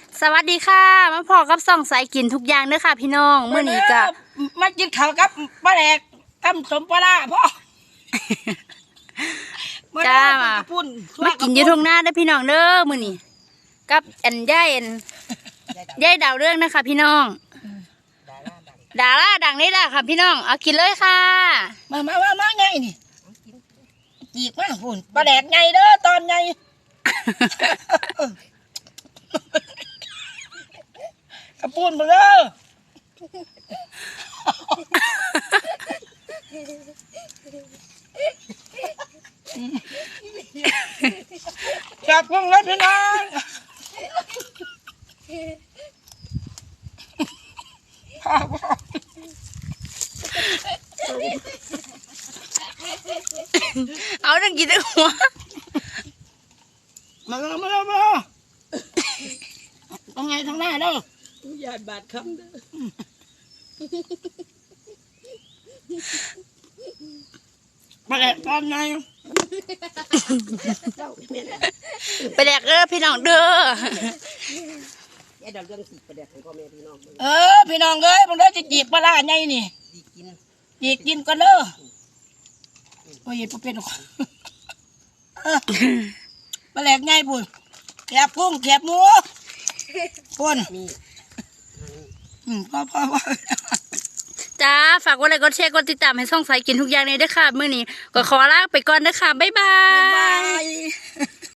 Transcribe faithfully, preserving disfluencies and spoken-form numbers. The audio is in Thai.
สวัสดีค่ะมาพอกับส่องสายกินทุกอย่างเด้อค่ะพี่น้องเมื่อนี้ก็มากินข้าวกับปลาแดกตำสมปลาพ่อจ้ามามากินอยู่ทุ่งนาเด้อพี่น้องเด้อมื้อนี้กับอันย่ายอันย่ายดาวเรื่องนะคะพี่น้องดาราดังนี่แหละค่ะพี่น้องเอากินเลยค่ะมามามามาไงนี่จีกมาหุ่นปลาแดกไงเด้อตอนไงกระปุนมาเด้อจับกุ้งเลยพี่น้องเอาดังกินได้หัวมามามามาทางไงทางหน้าเด้ออย่าบาดคำเด้อมาแหละตอนไงไปแดกเด้อพี่น้องเด้อเออพี่น้องเอ้ยมึงได้จะจีบปลาไงนี่จีบกินกันเด้อโอ้ยพอเป็นหรอกปลาแหลกไงปุ่นแกบกุ้งแกบหมูปุ่นอืมพ่อพ่อพ่อจ้าฝากกดไลค์กดแชร์กดติดตามให้ส่องสายกินทุกอย่างเลยเด้อค่ะมื้อนี้ก็ขอลาไปก่อนเด้อค่ะบ๊ายบาย